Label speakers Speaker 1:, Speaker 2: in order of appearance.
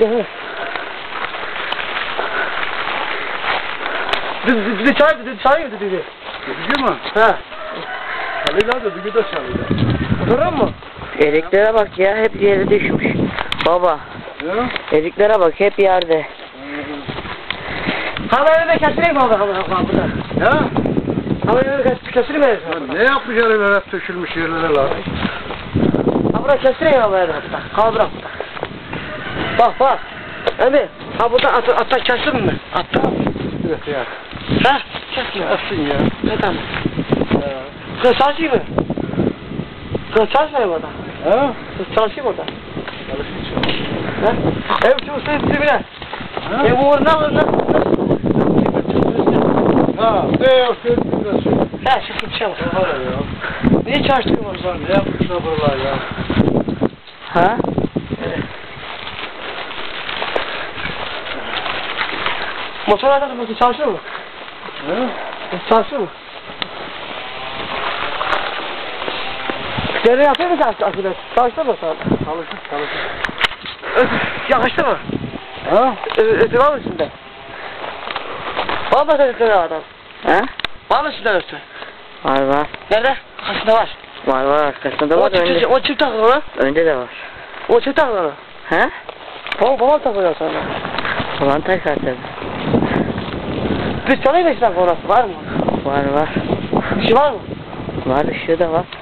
Speaker 1: Dışarı. Dışarı dedi.
Speaker 2: Düzgün mü?
Speaker 1: Ha.
Speaker 2: Çalıyla da düzgün de çalıyla.
Speaker 1: Oturur mu?
Speaker 3: Eriklere bak ya, hep yere düşmüş. Baba,
Speaker 2: Ya?
Speaker 3: eriklere bak, hep yerde.
Speaker 1: Havayı da kesileyim mi burada?
Speaker 2: Ya?
Speaker 1: Havayı da kesileyim mi?
Speaker 2: Ne yapmış herifler hep tökülmüş yerlere lan?
Speaker 1: Ha burada kesileyim havayı da burada. Kal bırak burada. Bak bak. Emi, ha burada atta kesin mi? Atta.
Speaker 2: Evet ya.
Speaker 1: Ha? Kesin.
Speaker 2: Atsın ya.
Speaker 1: Ne tamam. Kız çalışıyor mu? Kız çalışmıyor mu orada?
Speaker 2: Ha?
Speaker 1: Kız çalışıyor mu orada?
Speaker 2: Çalışıyor.
Speaker 1: Ha? Ev çalışıyor dibine.
Speaker 2: Ha?
Speaker 1: Ev uğruna ne?
Speaker 2: Ha. Ne yapıyorsun biraz şey?
Speaker 1: Ha çıkıp şey yapalım.
Speaker 2: Var ya.
Speaker 1: Niye çalıştırıyor orada?
Speaker 2: Ne yapmışlar buralar ya?
Speaker 3: Ha?
Speaker 1: Motorlardan çalışıyor mu?
Speaker 2: Ha?
Speaker 1: Çalışıyor mu? Nereye yapıyor musun akıbet? Çalıştı mı sana?
Speaker 2: Çalışır.
Speaker 1: Yakıştı mı?
Speaker 2: Ha?
Speaker 1: Ötü var mı üstünde? Var mı ötü adam?
Speaker 3: Ha?
Speaker 1: Var mı üstünde ötü?
Speaker 3: Var var.
Speaker 1: Nerede? Arkasında var.
Speaker 3: Var arkasında var, önde.
Speaker 1: O çift takıyor ona.
Speaker 3: Önde de var.
Speaker 1: O çift takıyor ona.
Speaker 3: Ha?
Speaker 1: Babam takıyor sana.
Speaker 3: Ulan takar tabii.
Speaker 1: Biz çalayım mı işte orası? Var mı?
Speaker 3: Var.
Speaker 1: Bir şey var mı?
Speaker 3: Var, ışığı da var.